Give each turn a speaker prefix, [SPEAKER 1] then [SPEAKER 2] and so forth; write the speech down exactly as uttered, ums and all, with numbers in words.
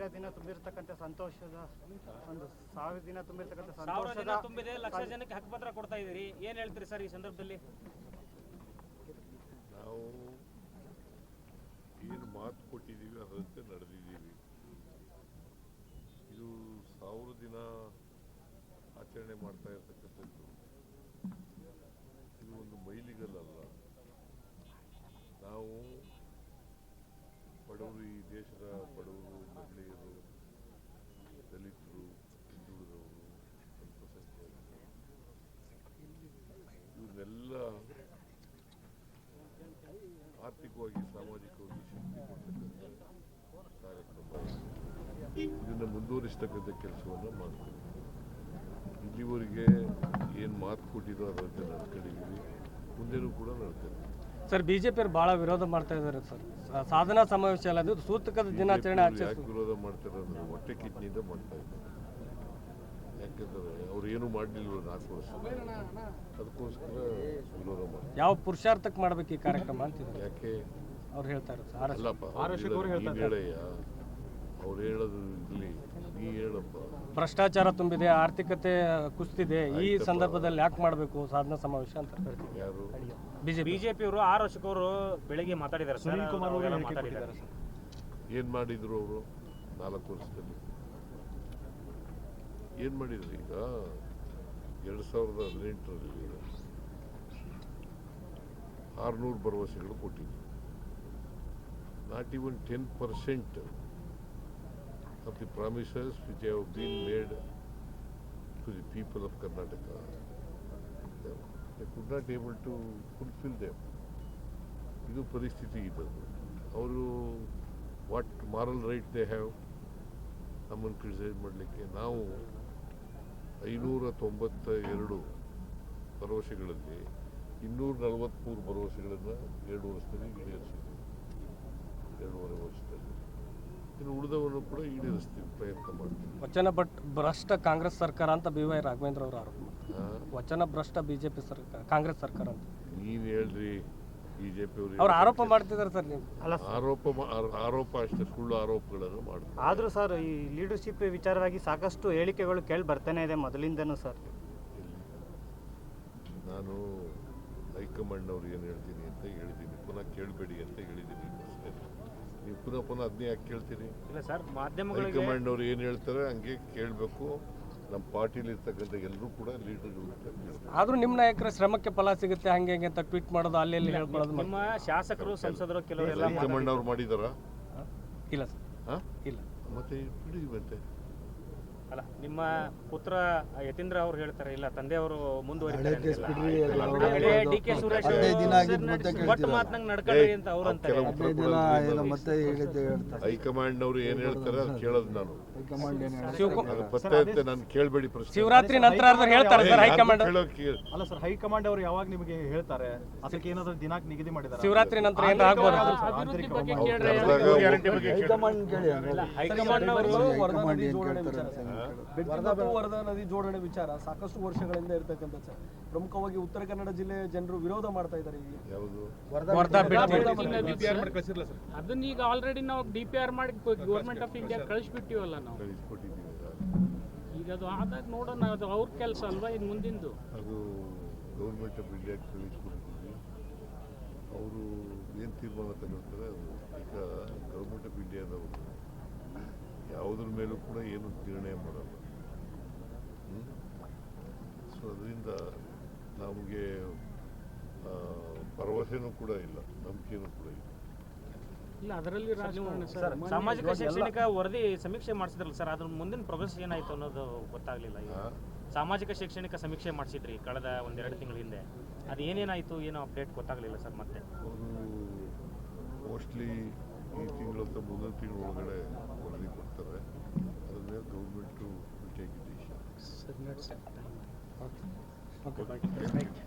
[SPEAKER 1] ಸಾವಿರ ದಿನ ತುಂಬಿರ್ತಕ್ಕಂಥ ಸಂತೋಷದ ಒಂದು ಸಾವಿರ ದಿನ ತುಂಬಿರ್ತಕ್ಕಂಥ
[SPEAKER 2] ಸಾವಿರ ದಿನ
[SPEAKER 1] ಸಂತೋಷದ
[SPEAKER 2] ತುಂಬಿದೆ, ಲಕ್ಷ ಜನಕ್ಕೆ ಹಕ್ಕುಪತ್ರ ಕೊಡ್ತಾ ಇದ್ದೀರಿ, ಏನ್ ಹೇಳ್ತೀರಿ ಸರ್ ಈ ಸಂದರ್ಭದಲ್ಲಿ?
[SPEAKER 3] ನಾವು ಏನು ಮಾತು ಕೊಟ್ಟಿದ್ದೀವಿ ಅದರಂತೆ ನಡೆದಿದ್ದೀವಿ. ಇದು ಸಾವಿರ ದಿನ ಆಚರಣೆ ಮಾಡ್ತಾ ಇರ್ತಕ್ಕಂಥದ್ದು ಇದು ಒಂದು ಮೈಲಿಗಲ್ಲಲ್ಲ. ನಾವು ಬಡವರು, ಈ ದೇಶದ ಬಡವರು, ಮಹಿಳೆಯರು, ದಲಿತರು, ಹಿಂದುಳಿದವರು, ಅಲ್ಪಸಂಖ್ಯಾತರು ಇವನ್ನೆಲ್ಲ ಆರ್ಥಿಕವಾಗಿ ಸಾಮಾಜಿಕವಾಗಿ ಶಕ್ತಿ ಕೊಡ್ತಕ್ಕಂಥ ಕಾರ್ಯಕ್ರಮ. ಇದನ್ನು ಮುಂದುವರಿಸ್ತಕ್ಕಂಥ ಕೆಲಸವನ್ನು ಮಾಡ್ತೀವಿ. ಇಲ್ಲಿವರೆಗೆ ಏನು ಮಾತು ಕೊಟ್ಟಿದ್ದೋ ಅದರಂತೆ ನಡ್ಕೊಂಡಿದ್ದೀವಿ, ಮುಂದೆನೂ ಕೂಡ ನಡ್ತೇವೆ.
[SPEAKER 4] ಸರ್, ಬಿಜೆಪಿಯವರು ಬಹಳ ವಿರೋಧ ಮಾಡ್ತಾ ಇದ್ದಾರೆ ಸರ್. ಸಾಧನಾ ಸಮಾವೇಶ ಅಲ್ಲ, ಅದು ಸೂತಕದ ದಿನಾಚರಣೆ ಆಚರಿಸಿ
[SPEAKER 3] ಯಾಕೆ ವಿರೋಧ ಮಾಡ್ತಾರೆ ಅಂದ್ರೆ ಹೊಟ್ಟೆ ಕಿಚ್ಚಿನಿಂದ ಮಾಡ್ತಾ ಇದ್ದಾರೆ. ಯಾಕೆಂದ್ರೆ ಅವ್ರು ಏನು ಮಾಡಲಿಲ್ಲ ನಾಲ್ಕು ವರ್ಷ, ಅದಕ್ಕೋಸ್ಕರ ವಿರೋಧ ಮಾಡ್ತಾರೆ.
[SPEAKER 4] ಯಾವ ಪುರುಷಾರ್ಥಕ್ಕೆ ಮಾಡ್ಬೇಕು ಈ ಕಾರ್ಯಕ್ರಮ ಅಂತಿದ್ದಾರೆ.
[SPEAKER 3] ಯಾಕೆ
[SPEAKER 4] ಅವ್ರು ಹೇಳ್ತಾ ಇರೋದು
[SPEAKER 3] ಅಲ್ಲಪ್ಪ, ನೀನು ಹೇಳಯ್ಯ, ಅವ್ರು ಹೇಳೋದು ಇಲ್ಲಿ ನೀ ಹೇಳಪ್ಪ.
[SPEAKER 4] ಭ್ರಷ್ಟಾಚಾರ ತುಂಬಿದೆ, ಆರ್ಥಿಕತೆ ಕುಸಿದಿದೆ, ಈ ಸಂದರ್ಭದಲ್ಲಿ ಯಾಕೆ ಮಾಡಬೇಕು ಸಾಧನಾ ಸಮಾವೇಶ ಅಂತ ಹೇಳ್ತೀವಿ.
[SPEAKER 3] ಯಾರು
[SPEAKER 2] ಬಿಜೆಪಿಯವರು ಆರು ವರ್ಷಕ್ಕವರು ಬೆಳಿಗ್ಗೆ ಮಾತಾಡಿದ್ದಾರೆ, ಸುನೀಲ್ ಕುಮಾರ್ ಅವರು ಮಾತಾಡಿದ್ದಾರೆ.
[SPEAKER 3] ಏನು ಮಾಡಿದ್ರು ಅವರು ನಾಲ್ಕು ವರ್ಷದಲ್ಲಿ? ಏನು ಮಾಡಿದ್ರು? ಈಗ ಎರಡು ಸಾವಿರದ ಹದಿನೆಂಟರಲ್ಲಿ ಆರುನೂರು ಭರವಸೆಗಳು ಕೊಟ್ಟಿದ್ರು. Not even ten percent of the promises which have been made to the people of Karnataka, they could not able to fulfill them. ಇದು ಪರಿಸ್ಥಿತಿ ಇದ್ದದ್ದು. ಅವರು what moral right they have ನಮ್ಮನ್ನು ಕ್ರಿಟಿಸೈಸ್ ಮಾಡಲಿಕ್ಕೆ? ನಾವು ಐನೂರ ತೊಂಬತ್ತ ಎರಡು ಭರವಸೆಗಳಲ್ಲಿ ಇನ್ನೂರ ನಲವತ್ತ್ಮೂರು ಭರವಸೆಗಳನ್ನು ಎರಡು ವರ್ಷದಲ್ಲಿ ಈಡೇರಿಸಿದ್ವಿ. ಎರಡೂವರೆ ವರ್ಷದಲ್ಲಿ ಇನ್ನು ಉಳಿದವನ್ನು ಕೂಡ ಈಡೇರಿಸ್ತೀವಿ, ಪ್ರಯತ್ನ ಮಾಡ್ತೀವಿ.
[SPEAKER 4] ವಚನ ಬಟ್ ಭ್ರಷ್ಟ ಕಾಂಗ್ರೆಸ್ ಸರ್ಕಾರ ಅಂತ ಬಿ ವೈ ರಾಘವೇಂದ್ರ ಅವರು ಆರೋಪ ಮಾಡ್ತಾರೆ. ವಚನ ಭ್ರಷ್ಟ ಬಿಜೆಪಿ ಸರ್ಕಾರ, ಕಾಂಗ್ರೆಸ್ ಸರ್ಕಾರ ಅಂತ
[SPEAKER 3] ನೀನು ಹೇಳ್ರಿ. ಬಿಜೆಪಿ ಅವರು
[SPEAKER 4] ಅವ್ರು ಆರೋಪ ಮಾಡ್ತಿದ್ದಾರೆ ಸರ್. ನೀವು
[SPEAKER 3] ಆರೋಪ ಆರೋಪ ಅಷ್ಟೇ, ಸುಳ್ಳು ಆರೋಪಗಳನ್ನು ಮಾಡ್ತಾರೆ.
[SPEAKER 1] ಆದರೂ ಸರ್, ಈ ಲೀಡರ್ಶಿಪ್ ವಿಚಾರವಾಗಿ ಸಾಕಷ್ಟು ಹೇಳಿಕೆಗಳು ಕೇಳಿ ಬರ್ತಾನೆ ಇದೆ ಮೊದಲಿಂದನೂ ಸರ್.
[SPEAKER 3] ನಾನು ಹೈಕಮಾಂಡ್ನವ್ರು ಏನು ಹೇಳ್ತೀನಿ ಅಂತ ಹೇಳಿದ್ದೀನಿ, ಪುನಃ ಕೇಳಬೇಡಿ ಅಂತ ಹೇಳಿದ್ದೀನಿ. ನೀವು ಪುನಃ ಪುನಃ ಅದನ್ನೇ ಯಾಕೆ ಕೇಳ್ತೀರಿ?
[SPEAKER 2] ಇಲ್ಲ ಸರ್, ಮಾಧ್ಯಮಗಳಿಗೆ
[SPEAKER 3] ಹೈಕಮಾಂಡ್ನವ್ರು ಏನು ಹೇಳ್ತಾರೆ ಹಂಗೆ ಕೇಳಬೇಕು. ನಮ್ಮ ಪಾರ್ಟಿಲಿ ಇರ್ತಕ್ಕಂಥ ಎಲ್ಲರೂ ಕೂಡ ಲೀಡರ್ಗಳು.
[SPEAKER 4] ಆದ್ರೂ ನಿಮ್ಮ ನಾಯಕರ ಶ್ರಮಕ್ಕೆ ಫಲ ಸಿಗುತ್ತೆ ಹಂಗೆ ಹಂಗೆ ಅಂತ ಟ್ವೀಟ್ ಮಾಡೋದು, ಅಲ್ಲಿ ಅಲ್ಲಿ ಹೇಳ್ಕೊಳ್ಳೋದು.
[SPEAKER 2] ನಿಮ್ಮ ಶಾಸಕರು, ಸಂಸದರು ಕೆಲವರೆಲ್ಲ
[SPEAKER 3] ಹೈಕಮಾಂಡ್ ಅವ್ರು ಮಾಡಿದಾರಾ?
[SPEAKER 4] ಇಲ್ಲ ಸರ್,
[SPEAKER 3] ಹಾಂ
[SPEAKER 4] ಇಲ್ಲ.
[SPEAKER 3] ಮತ್ತೆ ಬಿಡಿ. ಮತ್ತೆ
[SPEAKER 2] ಅಲ್ಲ, ನಿಮ್ಮ ಪುತ್ರ ಯತೀಂದ್ರ ಅವರು ಹೇಳ್ತಾರೆ ಇಲ್ಲ, ತಂದೆಯವರು ಮುಂದುವರಿತಾರೆ. ಡಿ ಕೆ ಸುರೇಶ್ ಒಟ್ಟು ಮಾತನಾಗ ನಡ್ಕೊಳ್ಳಿ ಅಂತ ಅವ್ರು ಅಂತಾರೆ.
[SPEAKER 3] ಹೈಕಮಾಂಡ್ ಅವರು ಏನ್ ಹೇಳ್ತಾರೆ ಅದು ಕೇಳೋದು ನಾನು. ಪತ್ತೆ ಇರುತ್ತೆ, ನಾನು ಕೇಳಬೇಡಿ ಪ್ರಶ್ನೆ.
[SPEAKER 4] ಶಿವರಾತ್ರಿ ನಂತರ ಹೇಳ್ತಾರೆ ಸರ್ ಹೈಕಮಾಂಡ್.
[SPEAKER 5] ಅಲ್ಲ ಸರ್, ಹೈಕಮಾಂಡ್ ಅವರು ಯಾವಾಗ ನಿಮಗೆ ಹೇಳ್ತಾರೆ? ಅದಕ್ಕೆ ಏನಾದ್ರು ದಿನಾಂಕ ನಿಗದಿ ಮಾಡಿದ್ದಾರೆ?
[SPEAKER 4] ಶಿವರಾತ್ರಿ ನಂತರ ಏನು ಆಗ್ಬೋದು? ಹೈಕಮಾಂಡ್ ಅವರು ವರದಾ ನದಿ ಜೋಡಣೆ ವಿಚಾರ ಸಾಕಷ್ಟು ವರ್ಷಗಳಿಂದ ಇರತಕ್ಕಂಥ ಸರ್. ಪ್ರಮುಖವಾಗಿ ಉತ್ತರ ಕನ್ನಡ ಜಿಲ್ಲೆ ಜನರು ವಿರೋಧ ಮಾಡ್ತಾ ಇದ್ದಾರೆ.
[SPEAKER 6] ಅದನ್ನ ಈಗ ಆಲ್ರೆಡಿ ನಾವು ಡಿ ಪಿ ಆರ್ ಮಾಡಿ ಗೌರ್ಮೆಂಟ್ ಆಫ್ ಇಂಡಿಯಾ ಕಳಿಸ್ಬಿಟ್ಟಿವಲ್ಲ ನಾವು. ಈಗ ಅದು ಆದಾಗ ನೋಡೋಣ, ಅದು ಅವ್ರ ಕೆಲಸ ಅಲ್ವಾ ಇದು ಮುಂದಿಂದು.
[SPEAKER 3] ಅದು ಗೌರ್ಮೆಂಟ್ ಆಫ್ ಇಂಡಿಯಾ ಕಳಿಸ್ಕೊಡ್ತೀವಿ. ಅವರು ಏನು ತೀರ್ಮಾನ ತಗೊಳ್ತಾರೆ ಅದು. ಈಗ ಗೌರ್ಮೆಂಟ್ ಆಫ್ ಇಂಡಿಯಾದವರು ಯಾವುದ್ರ ಮೇಲೂ ಕೂಡ ಏನು ನಿರ್ಣಯ ಮಾಡಲ್ಲ. ಸೊ ಅದರಿಂದ ನಮಗೆ ಭರವಸೆನೂ ಕೂಡ ಇಲ್ಲ, ನಂಬಿಕೆನೂ ಕೂಡ ಇಲ್ಲ.
[SPEAKER 6] ಇಲ್ಲ ಅದರಲ್ಲಿ
[SPEAKER 2] ಸಾಮಾಜಿಕ ಶೈಕ್ಷಣಿಕ ವರದಿ ಸಮೀಕ್ಷೆ ಮಾಡಿಸಿದ್ರಲ್ಲ ಸರ್, ಅದ್ರ ಮುಂದಿನ ಪ್ರೋಗ್ರೆಸ್ ಏನಾಯ್ತು ಅನ್ನೋದು ಗೊತ್ತಾಗ್ಲಿಲ್ಲ. ಈಗ ಸಾಮಾಜಿಕ ಶೈಕ್ಷಣಿಕ ಸಮೀಕ್ಷೆ ಮಾಡಿಸಿದ್ರಿ ಕಳೆದ ಒಂದೆರಡು ತಿಂಗಳ ಹಿಂದೆ, ಅದು ಏನೇನಾಯ್ತು ಏನೋ ಅಪ್ಡೇಟ್ ಗೊತ್ತಾಗ್ಲಿಲ್ಲ ಸರ್. ಮತ್ತೆ
[SPEAKER 3] ಅವರು ಮೋಸ್ಟ್ಲಿ ಈ ತಿಂಗಳು ಅಥವಾ ಮುಂದಿನ ತಿಂಗಳ ಒಳಗಡೆ ವರದಿ ಕೊಡ್ತಾರೆ. ಅದ್ರ ಮೇಲೆ ಗೌರ್ಮೆಂಟು ಟೇಕ್ ಡಿಸಿಷನ್.